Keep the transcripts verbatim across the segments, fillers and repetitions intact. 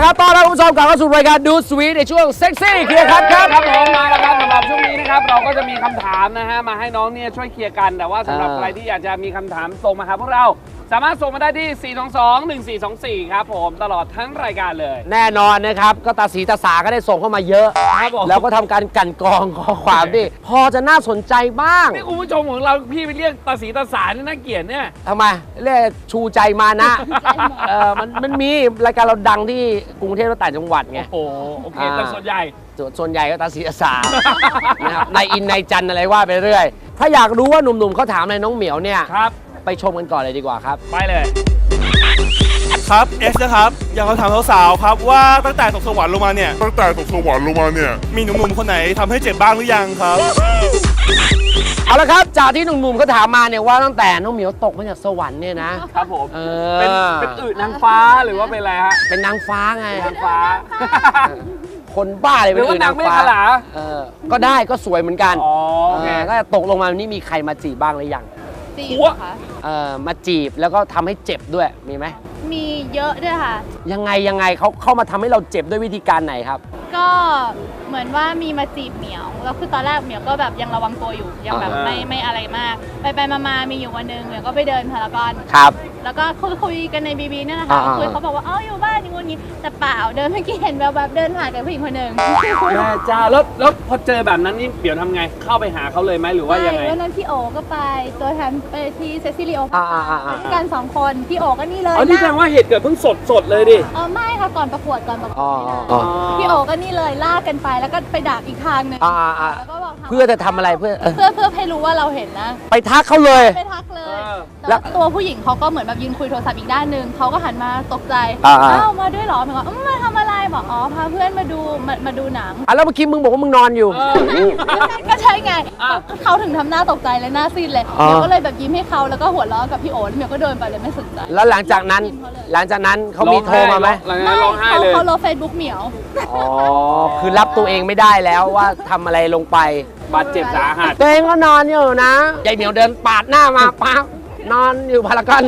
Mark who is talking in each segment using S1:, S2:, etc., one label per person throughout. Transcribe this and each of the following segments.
S1: ครับต้อนรับคุณผู้ชมกลับเข้าสู่รายการดูสวีทในช่วงเซ็กซี่เคลียร์คัทครับ
S2: ครับผมมาแล้วครับสำหรับช่วงนี้นะครับเราก็จะมีคำถามนะฮะมาให้น้องเนี่ยช่วยเคลียร์กันแต่ว่าสำหรับใครที่อยากจะมีคำถามส่งมาหาพวกเราสามารถส่งมาได้ที่ สี่ สอง สอง หนึ่ง สี่ สอง สี่ ครับผมตลอดทั้งรายการเลย
S1: แน่นอนนะครับก็ตาสีตาสาก็ได้ส่งเข้ามาเยอะ
S2: ครับผม
S1: แล้วก็ทำการกลั่นกรองข้อความที่พอจะน่าสนใจบ้าง
S2: นี่คุณผู้ชมของเราพี่ไปเรียกตาสีตาสารนี่น่าเกลียดเนี่ย
S1: ทำไมเรียกชูใจมานะเออมันมันมีรายการเราดังที่กรุงเทพและต่างจังหวัดไง
S2: โอ้โหโอเคแต่ส่วนใหญ่
S1: ส่วนส่วนใหญ่ก็ตาสีตาสา นะครับในอินในจันอะไรว่าไปเรื่อย ถ้าอยากรู้ว่าหนุ่มๆเขาถามอะไรน้องเหมียวเนี่ย
S2: ครับ
S1: ไปชมกันก่อนเลยดีกว่าครับ
S2: ไปเลย
S3: ครับเอสนะครับอยากขอถามสาวๆครับว่าตั้งแต่ตกสวรรค์ลงมาเนี่ย
S4: ตั้งแต่ตกสวรรค์ลงมาเนี่ย
S3: มีหนุ่มๆคนไหนทำให้เจ็บบ้างหรือยังครับ
S1: เอาละครับจากที่หนุ่มๆเขาถามมาเนี่ยว่าตั้งแต่น้องเหมียวตกมาจากสวรรค์เนี่ยนะครับ
S2: ผม
S1: เอ
S2: เป็น
S1: อ
S2: เป็นอืดนางฟ้าหรือว่าเป็นอะไรฮะ
S1: เป็นนางฟ้าไง
S2: นางฟ้า
S1: คนบ้าเลย
S2: ห
S1: เป็
S2: รื
S1: น
S2: อว่า
S1: อื่นาง ง
S2: นานเมฆ
S1: ฟ้า
S2: ขลา
S1: เออก็ได้ก็สวยเหมือนกัน
S2: อ๋อโอเค
S1: เออถ้าตกลงมานี่มีใครมาจีบบ้างหรือยัง
S5: จีบ
S2: หัว
S5: เหรอคะ
S1: เออมาจีบแล้วก็ทำให้เจ็บด้วยมีไหม
S5: มีเยอะด้วยค่ะ
S1: ยังไงยังไงเขาเข้ามาทำให้เราเจ็บด้วยวิธีการไหนครับ
S5: ก็เหมือนว่ามีมาจีบเหมียวแล้วคือตอนแรกเหมียวก็แบบยังระวังตัวอยู่ยังแบบ
S1: อ่า
S5: ไม่ไม่อะไรมาก ไปไปมามามีอยู่วันหนึ่งเหมียวก็ไปเดินพารากอน
S1: ครับ
S5: แล้วก็คุยคุยกันในบีบีเนี่ยนะคะ
S1: อ่า
S5: คุยเขาบอกว่าเอ้าอยู่บ้านอย่างงู้นอย่างงี้แต่เปล่าเดินเมื่อกี้เห็นแบบแบบเดินผ่านกับผู้หญิงคนหนึ่ง
S2: แม่เจ้าแล้วแล้วพอเจอแบบนั้นนี่เดี๋ยวทำไงเข้าไปหาเขาเลยไหมหรือว่ายังไง
S5: ใช่วันนั้นพี่โอก็ไปตัวแทนไปที่เซซิลิโอ
S1: อ่าอ่าอ่าอ่า
S5: กันสองคนพี่โอก็นี่เลย
S2: อ๋อนี่แสดงว่าเหตุเกิดเพิ่งสดสดเลยดิ
S5: เออไม่ค่ะก่อนประกวดก่อนประกว
S1: อ๋อ
S5: ดนี่นะ
S1: อ๋อ
S5: พี่โอก็นี่เลยลากกันไปแล้วก็ไปดักอีกทางหนึ่ง
S1: อ่าอ่าอ่า
S5: แล้วก็บอก
S1: เพื่อจะทำอะไรเพื่อเออ
S5: เพื่อเพื่อให้รู้ว่าเราเห็นนะ
S1: ไปทักเขาเลย
S5: ไปทักเลย
S2: เออ
S1: แล้
S5: แล้ว วตัวผู้หญิงเขาก็เหมือนแบบยืนคุยโทรศัพท์อีกด้านหนึ่งเขาก็หันมาตกใจ
S1: อ่าอ่า
S5: อ้าวมาด้วยเหรอเหมือนว่าอืมมาทำอะไรบอกอ๋อพาเพื่อนมาดูมามาดูหนัง
S1: อ่ะแล้วเมื่อกี้มึงบอกว่ามึงนอนอยู่
S2: เออ
S5: ก็ใช่ไง
S2: อ่ะ
S5: เขาถึงทำหน้าตกใจเลยหน้าซีดเลย
S1: อ๋อ
S5: เมียวก็เลยแบบยิ้มให้เขาแล้วก็หัวเราะกับพี่โอ๋แล้วเมียวก็เดินไปเลยไม่สนใจ
S1: แล้วหลังจากนั้นหลังจากนั้นเขามีโทรมาไหม
S2: หลังจากนั้นร้องไห้
S5: เขา
S2: เลย
S5: เขาลบเฟซบุ๊กเหมียว
S1: อ๋อ คือรับตัวเองไม่ได้แล้วว่าทำอะไรลงไป
S2: บาดเจ็บสาหัส
S1: ตัวเองก็นอนอยู่นะยายเหมียวเดินปาดหน้ามาปั๊บนอนอยู่พารากอน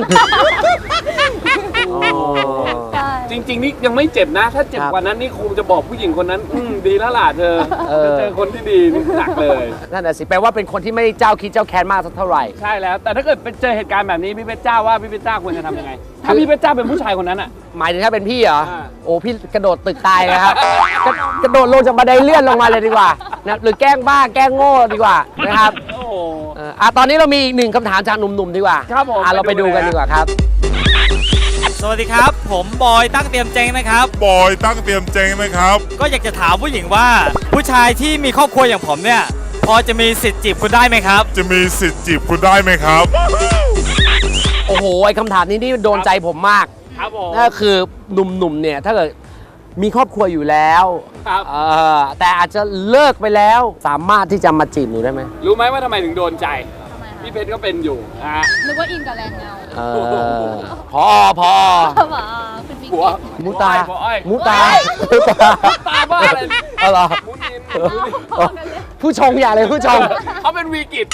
S1: อ๋อ
S5: ใช่
S2: จริง ๆ นี่ยังไม่เจ็บนะ ถ้าเจ็บ
S1: ครับ
S2: กว่านั้นนี่คงจะบอกผู้หญิงคนนั้นอืมดีแล้วล่ะเธอ
S1: เออ
S2: จะเจอคนที่ดีนี่หนักเลย
S1: นั่นแหะสิแปลว่าเป็นคนที่ไม่ได้เจ้าคิดเจ้าแค้นมากสักเท่าไหร่
S2: ใช่แล้ว แต่ถ้าเกิดเป็นเจอเหตุการณ์แบบนี้พี่เพชรจ้าว่าพี่เพชรจ้าควรจะทำยังไง ถ้าพี่เพชรจ้าเป็นผู้ชายคนนั้นอ่ะ
S1: หมายถึงถ้าเป็นพี่เหรอ
S2: อ่า
S1: โอ้พี่กระโดดตึกตายเลยครับกระกระโดดลงจากบันไดเลื่อนลงมาเลยดีกว่านะหรือแกล้งบ้าแกล้งโง่ดีกว่านะครับ
S2: โอ้โห
S1: เอ่ออ่ะตอนนี้เรามีอีกหนึ่งคำถามจากหนุ่มๆดีกว่า
S2: ครับผม
S1: อ่ะเราไป
S2: ไปดู
S1: ดูกัน
S2: เลย
S1: ดีกว่าครับ
S6: สวัสดีครับ ผมบอยตั้งเตรียมเจงนะครับ
S4: บอยตั้งเตรียมเจงนะครับ
S6: ก็อยากจะถามผู้หญิงว่า ผู้ชายที่มีครอบครัวอย่างผมเนี่ยพอจะมีสิทธิ์จีบคุณได้ไหมครับ
S4: จะมีสิทธิ์จีบคุณได้ไหมครับ
S1: โอ้โหไอ้คำถามนี้นี่โดนใจผมมาก
S2: ครับผม
S1: นั่นก็คือหนุ่มๆเนี่ยถ้าเกิดมีครอบครัวอยู่แล้ว
S2: ครับ
S1: เอ่อแต่อาจจะเลิกไปแล้วสามารถที่จะมาจีบหนูได้ไหม
S2: รู้ไหมว่าทำไมถึงโดนใจ
S5: ทำไมคะ
S2: พี่เพชรก็เป็นอยู่อ่ะ
S5: นึกว่าอินกับแรงเงา
S1: เออพอพอ
S5: เขาบอกอ๋อคุณบิ๊ก
S2: หัว
S1: มุตา
S2: หัวอ้อย
S1: มุตามุตา
S2: ตาบ้าอะไร
S1: เอาเหรอ
S2: มุนิน
S5: พอกันเลย
S1: ผู้ชงอย่าเลยผู้ชง
S2: เขาเป็นวีกิจ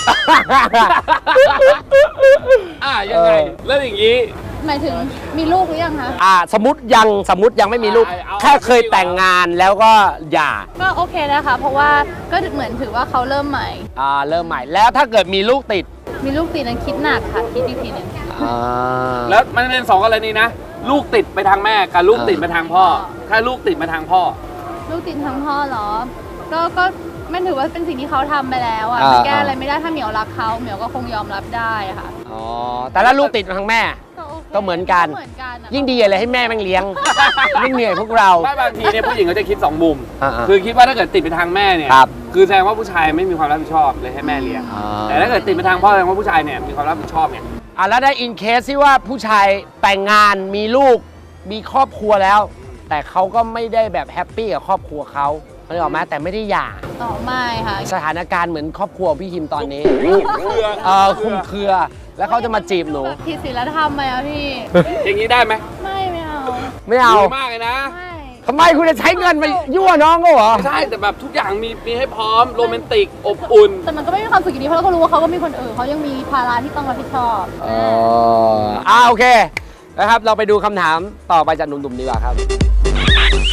S2: อ่ะยังไง แล้วอย่างนี้
S5: หมายถึงมีลูกหรือยังคะ
S1: อ่าสมมติยังสมมติยังไม่มีลูก
S2: เอา
S1: แค่เคยแต่งงานแล้วก็หย่า
S5: ก็โอเคนะคะ เพราะว่าก็เหมือนถือว่าเขาเริ่มใหม่
S1: อ่าเริ่มใหม่แล้วถ้าเกิดมีลูกติด
S5: มีลูกติดนั้นคิดหนักค่ะ คิดอีกทีหนึง
S1: อ่า
S2: แล้วมันเป็นสองกรณีนะ ลูกติดไปทางแม่กับลูกติดมาทางพ่อ ถ้าลูกติดมาทางพ่อ
S5: ลูกติดทั้งพ่อเหรอ ก็ก็มันถือว่าเป็นสิ่งที่เขาทำไปแล้วอ่ะ
S1: อ่า
S5: มันแก้อะไรไม่ได้ถ้าเหมียวรักเขาเหมียวก็คงยอมรับได้อะค่ะ
S1: อ๋อแต่ถ้าลูกติดมาทางแม่
S5: ก็โอเค
S1: ก็เหมือนกัน
S5: เหมือนกันอะ
S1: ยิ่งดีเลยให้แม่แม่งเลี้ยง ไม่เหนื่อยพวกเรา
S2: ไม่บางทีเนี่ยผู้หญิงเขาจะคิดสองมุม
S1: อ่าๆ
S2: คือคิดว่าถ้าเกิดติดไปทางแม่เนี่ย
S1: ครับ
S2: คือแสดงว่าผู้ชายไม่มีความรับผิดชอบเลยให้แม่เลี้ยง
S1: อ่า
S2: แต่ถ้าเกิดติดไปทางพ่อแสดงว่าผู้ชายเนี่ยมีความรับผิดชอบเนี่ย
S1: อ่ะแล้วได้อินเคสที่ว่าผู้ชายแต่งงานมีลูกมีครอบครัวแล้ว แต่เขาก็ไม่ได้แบบแฮปปี้กับครอบครัวเขาเขาเลยออกมาแต่ไม่ได้หย่า
S5: ต่อไม่ค่ะ
S1: สถานการณ์เหมือนครอบครัวพี่ฮิมตอนนี้
S2: เครือ
S1: เออคุมเครือ แล้วเขาจะมาจีบหนู
S5: ผิดศีลธรรมไหมอะพี่
S2: อย่างนี้ได้ไหม
S5: ไม่ไม่เอา
S1: ไม่เอา
S2: ดีมากเลยนะ
S5: ไม่
S1: ทำไมคุณจะใช้เงินไปยั่วน้องเขาเหรอ
S2: ใช่แต่แบบทุกอย่างมีมีให้พร้อมโรแมนติกอบอุ่น
S5: แต่มันก็ไม่มีความสุขอยู่ดีเพราะเราก็รู้ว่าเขาก็มีคนอื่นเขายังมีภาระที่ต้องรับผิดชอบ
S1: อ๋ออ่าโอเคนะครับเราไปดูคำถามต่อไปจากหนุ่มๆดีกว่าครับ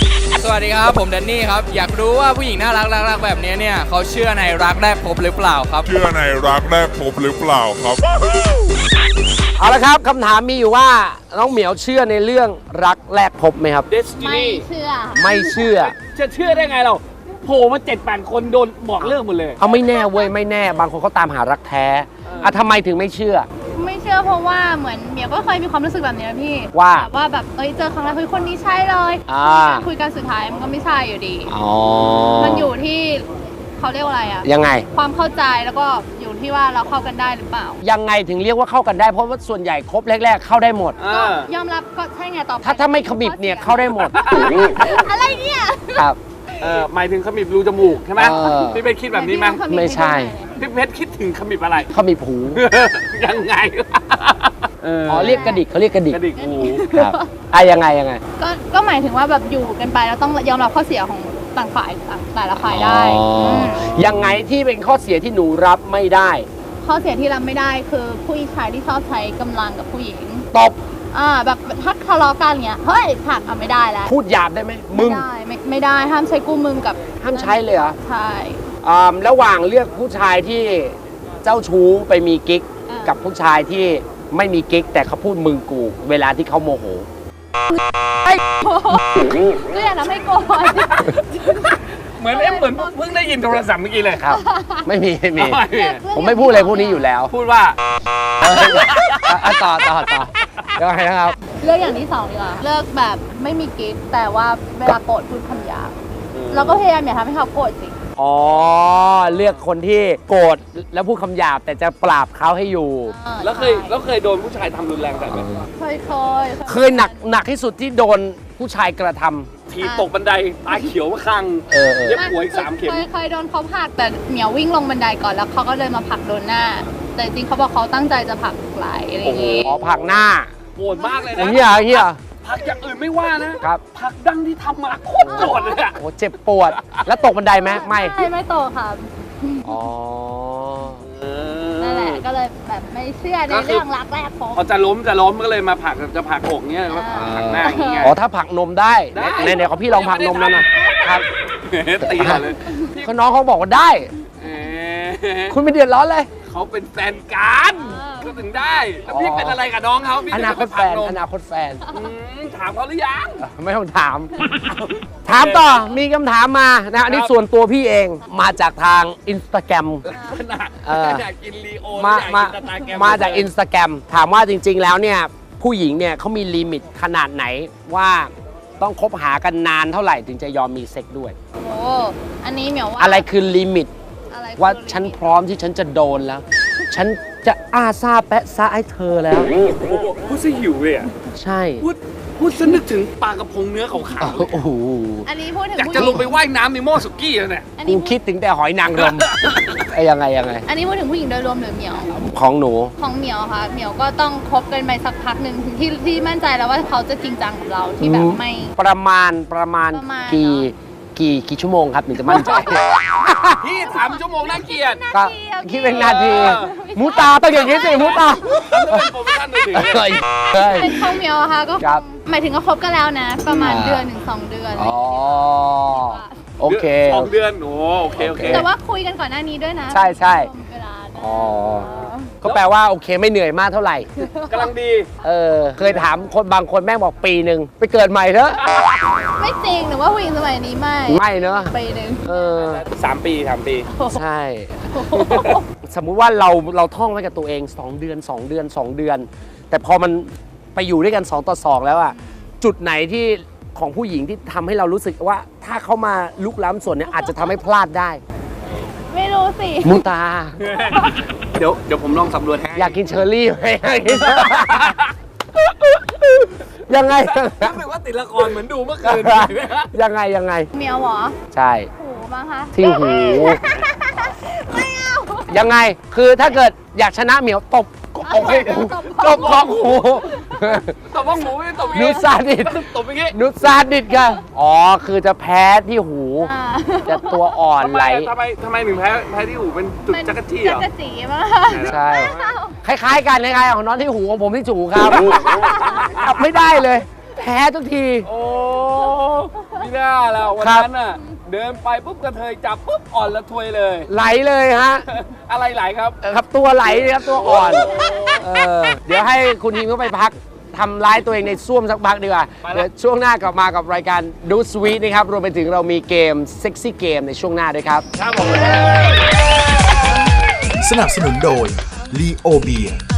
S7: สวัสดีครับผมแดนนี่ครับอยากรู้ว่าผู้หญิงน่ารักรักๆแบบนี้เนี่ยเขาเชื่อในรักแรกพบหรือเปล่าครับ
S4: เชื่อในรักแรกพบหรือเปล่าครับ
S1: เอาละครับคำถามมีอยู่ว่าน้องเหมียวเชื่อในเรื่องรักแรกพบไหมครับ
S5: ไม่
S2: Destiny
S5: เชื่อ
S1: ไม่เชื่อ
S2: จะเชื่อได้ไงเราโผล่มาเจ็ดแปดคนโดนบอกเลิกหมดเลย
S1: เอาไม่แน่เว้ยไม่แน่บางคนเขาตามหารักแท้อ่ะทำไมถึงไม่เชื่อ
S5: ไม่เชื่อเพราะว่าเหมือนเหมียวก็เคยมีความรู้สึกแบบนี้นะพี่
S1: ว่า
S5: แบบว่าแบบเอ้ยเจอครั้งแรกเฮ้ยคนนี้ใช่เลย
S1: อ่า
S5: คุยกันสุดท้ายมันก็ไม่ใช่อยู่ดี
S1: อ๋อ
S5: มันอยู่ที่เขาเรียกว่าอะไรอะ
S1: ยังไง
S5: ความเข้าใจแล้วก็อยู่ที่ว่าเราเข้ากันได้หรือเปล่า
S1: ยังไงถึงเรียกว่าเข้ากันได้เพราะว่าส่วนใหญ่ครบแรกๆเข้าได้หมด
S2: อ่า
S5: ยอมรับก็ใช่ไงต่อไป
S1: ถ้าถ้าไม่ขมิบเนี่ยเข้าได้หมด
S5: อะไรเนี่ย
S1: ครับ
S2: เออหมายถึงขมิบรูจมูกใช่ไหม
S1: เออ
S2: พี่เพชรคิดแบบนี้ไหม
S1: ไม่ใช่
S2: พี่เพชรคิดถึงขมิบอะไร
S1: ขมิบหู
S2: ยังไงเ
S1: อ๋อเรียกกระดิกเขาเรียกกระดิก
S2: กระดิกหู
S1: ครับอ่ะยังไงยังไง
S5: ก็ก็หมายถึงว่าแบบอยู่กันไปแล้วต้องยอมรับข้อเสียของต่างฝ่ายต่างแต่ละฝ่ายได้
S1: อ๋ออื
S5: ม
S1: ยังไงที่เป็นข้อเสียที่หนูรับไม่ได้
S5: ข้อเสียที่รับไม่ได้คือผู้ชายที่ชอบใช้กำลังกับผู้หญิง
S1: ตบ
S5: อ่าแบบถ้าทะเลาะกันเงี้ยเฮ้ยผลักอ่ะไม่ได้แล้ว
S1: พูดหยาบได้ไหมมึ
S5: ไม่
S1: ง
S5: ได้ไม่ไม่ได้ห้ามใช้กู้มึงกับ
S1: ห้ามใช้เลยเหรอ
S5: ใช่
S1: อ่าระหว่างเลือกผู้ชายที่เจ้าชู้ไปมีกิ๊ก
S5: อ่ากั
S1: กับผู้ชายที่ไม่มีกิ๊กแต่เขาพูดมึงกู เวลาที่เขาโมโห
S5: ก็อย่าทำให้โกรธ
S2: เหมือนเอ๊ะเหมือนเพิ่งได้ยินโทรศัพท์เมื่อกี้เลย
S1: ครับ ไม่มีไม่มี
S2: ทำไมอ่ะ
S1: ผมไม่พูดอะไรพวกนี้อยู่แล้ว
S2: พูดว่า
S1: เอออ่ะต่อต่อต่อยังไงนะครับ
S5: เลือกอย่างที่สองดีกว่าเลือกแบบไม่มีกิ๊กแต่ว่าเวลาโกรธพูดคำหยาบเราก็พยายามอย่าทำให้เขาโกรธสิ
S1: อ๋อ เลือกคนที่โกรธแล้วพูดคำหยาบแต่จะปราบเขาให้อยู่
S5: ออ
S2: แล้วเคย
S5: ใช่
S2: แล้วเคยโดนผู้ชายทำรุนแรงแบบไหน
S5: เคยเคย
S1: เคยหนักหนักที่สุดที่โดนผู้ชายกระทำ
S2: ทีตกบันไดตาเขียวมาคัง
S1: เออเออ
S2: เย็บหัวอีกสามเข็ม
S5: เคยเคยโดนเขาผลักแต่เหมียววิ่งลงบันไดก่อนแล้วเขาก็เลยมาผลักโดนหน้า แต่จริงๆเขาบอกเขาตั้งใจจะผลักไหลอะไรอย่างงี้
S1: อ๋อผลักหน้า
S2: โกรธมากเลย
S1: โอ้
S2: นะ
S1: เฮียเฮีย
S2: พักอย่างอื่นไม่ว่านะครับ พักดังที่ทำมาโคตรโกรธเลยอะ
S1: โอ้เจ็บปวด แล้วตกบันไดไหมไม่
S5: ใช่ไม่โตค่ะ
S1: อ๋อ
S5: นั่นแหละก็เลยแบบไม่เชื่อใน
S2: ก็คือ
S5: เรื่องรักแรกพบ
S2: พอจะล้มจะล้มก็เลยมาผลักจะผลักอกเงี้ยแล้วก็ผลักหน้าอย่างเงี้ย
S1: อ๋อถ้าผลักนมได้
S2: ได้
S1: ในในของพี่ลองผลักนมแล้วนะ ครับ
S2: ตีก่อนเลย
S1: ก็น้องเขาบอกว่าได้
S2: เอ๊ะ
S1: คุณไม่เดือดร้อนเลย
S2: เขาเป็นแฟนกันก็ถึงได้แล้วพี่
S1: อ๋อ
S2: เป็นอะไรกับน้องเขาพี่
S1: อ
S2: ถึง
S1: นา
S2: จะ
S1: ค
S2: ไป
S1: ต
S2: ผ
S1: แฟ
S2: ลัก
S1: น
S2: นม
S1: อนาคตแฟน
S2: อืมถามเขาหรือยัง
S1: ไม่ต้องถาม ถามต่อ มีคำถามมานะ อันนี้ส่วนตัวพี่เอง มาจากทางอินสตาแกรม
S2: ขนาด
S1: เออ
S2: อยากกินลีโอ
S1: มา
S2: อยาก
S1: มา
S2: กินสตาร์แกร
S1: มาจากอินสตาแกรม ถามว่าจริง ๆ แล้วเนี่ย ผู้หญิงเนี่ยเขามีลิมิตขนาดไหนว่าต้องคบหากันนานเท่าไหร่ถึงจะยอมมีเซ็กด้วย
S5: โอ้อันนี้เหมียวว่า
S1: อะไรคือลิมิต
S5: อะไรคือ
S1: ว่าฉันพร้อมที่ฉันจะโดนแล้ว ฉันจะอ้าซาแปะซาให้เธอแล้ว
S2: พูดซะหิวเลยอ่ะ
S1: ใช่
S2: พูดพูดซะนึกถึงปลากระพงเนื้อขาวๆเลย
S1: โอ้โห
S5: อันนี้พูดถึง
S2: อยาก
S5: ผู้ห
S2: จะ
S5: ญิ
S2: ลงไปว่ายน้ำในหม้อสุกี้แล้วเนี่ย
S5: อัน
S1: กู
S5: นี้
S1: คิดถึงแต่หอยนางรม ไอ้ยังไงยังไง
S5: อันนี้พูดถึงผู้หญิงโดยรวมหรือเหมียว
S1: ของหนู
S5: ของเหมียวค่ะ เหมียวก็ต้องคบกันไปสักพักหนึ่งถึงที่ที่มั่นใจแล้วว่าเขาจะจริงจังกับเราที่แบบไม่
S1: ประมาณประมาณ
S5: ประมาณ
S1: กี่
S5: เนอะ
S1: กี่กี่ชั่วโมงครับถึงจะมั่นใจ
S2: พี่ถามชั่วโมงน่าเกลียด
S1: ก็คิดเป็นนาที
S2: เออ
S1: มูตาต้องอย่างนี้สิมูตา
S2: แล้วเป็นโปรโมชั่นมือถือ
S1: เฮ้ยเฮ้ย
S5: เป็นของเหมียวอะค่ะก็
S1: ครับ
S5: หมายถึงก็คบกันแล้วนะ ประมาณ
S1: อ่า
S5: เดือนหนึ่งสองเดือนอะไรอ
S1: อ๋
S5: ย่า
S1: อง
S5: เงี้ย
S1: โอเค
S2: สองเดือนโอ้โอเคโอเค
S5: แต่ว่าคุยกันก่อนหน้านี้ด้วยนะ
S1: ใช่ใช่
S5: วมเวลาได้
S1: อ๋อ ก็แปลว่าโอเคไม่เหนื่อยมากเท่าไหร่
S2: กำลังดี
S1: เออ เคยถามคนบางคนแม่งบอกปีหนึ่งไปเกิดใหม่เถอะ
S5: ไม่จริงหรือว่าผู้หญิงสมัยนี้ไม่
S1: ไม่เนอะ
S5: ปีหนึ่ง
S1: เออ
S2: สามปีสามปี
S1: ใช่ สมมุติว่าเราเราท่องไว้กับตัวเอง สอง เดือน สอง เดือน สอง เดือน แต่พอมันไปอยู่ด้วยกัน สอง ต่อ สอง แล้วอะจุดไหนที่ของผู้หญิงที่ทำให้เรารู้สึกว่าถ้าเขามาลุกล้ำส่วนเนี้ยอาจจะทำให้พลาดได้
S5: ไม่รู้สิ
S1: มูตา
S2: เดี๋ยวเดี๋ยวผมลองสำรวจให้
S1: อยากกินเชอร์รี่ไหมอยากกินเชอร์รี่ยังไง
S2: รู้สึกว่าติดละครเหมือนดูเมื่อคืน
S1: ยังไงยังไง
S5: เหมียวเหรอ
S1: ใช่
S5: หูบ้างคะ
S1: ที่หู
S5: ไม่เอา
S1: ยังไงคือถ้าเกิดอยากชนะเหมียวตบก็โอ้โหตบกองหู
S2: ตบว่าหมูไม่ตบอย่าง
S1: นุ
S2: งี้
S1: ซาดิด
S2: ตบอย่างงี้
S1: นุซาดิดกันอ๋อคือจะแพ้ที่หู
S5: อ่า
S1: จะตัวอ่อน
S2: ทำ
S1: ไห
S2: ไม
S1: ล
S2: ทำไมทำไมถึงแพ้แพ้ที่หูเป็นจุดจักรจี้เหรอ
S5: จักรจีมาก
S1: ใช่ คล้ายๆกันคล้ายๆของน้องที่หูของผมที่จูครับจับไม่ได้เลย แพ้ทุกที
S2: โอ้ไม่น่าแล้ววัน
S1: ครับ
S2: นั้นน่ะเดินไปปุ๊บกระเทยจับปุ๊บอ่อนละทวยเลย
S1: ไหลเลยฮะ
S2: อะไรไหลครับ
S1: ครับตัวไหลครับตัวอ่อนเออเดี๋ยวให้คุณทีมเข้าไปพักทำร้ายตัวเองในซ่วมสักพักดีกว่า
S2: ไปละ
S1: เดี๋ยวช่วงหน้ากลับมากับรายการดูสวีทนะครับรวมไปถึงเรามีเกมเซ็กซี่เกมในช่วงหน้าด้วยครับ
S2: ครับผม
S8: สนับสนุนโดย ลีโอเบียร์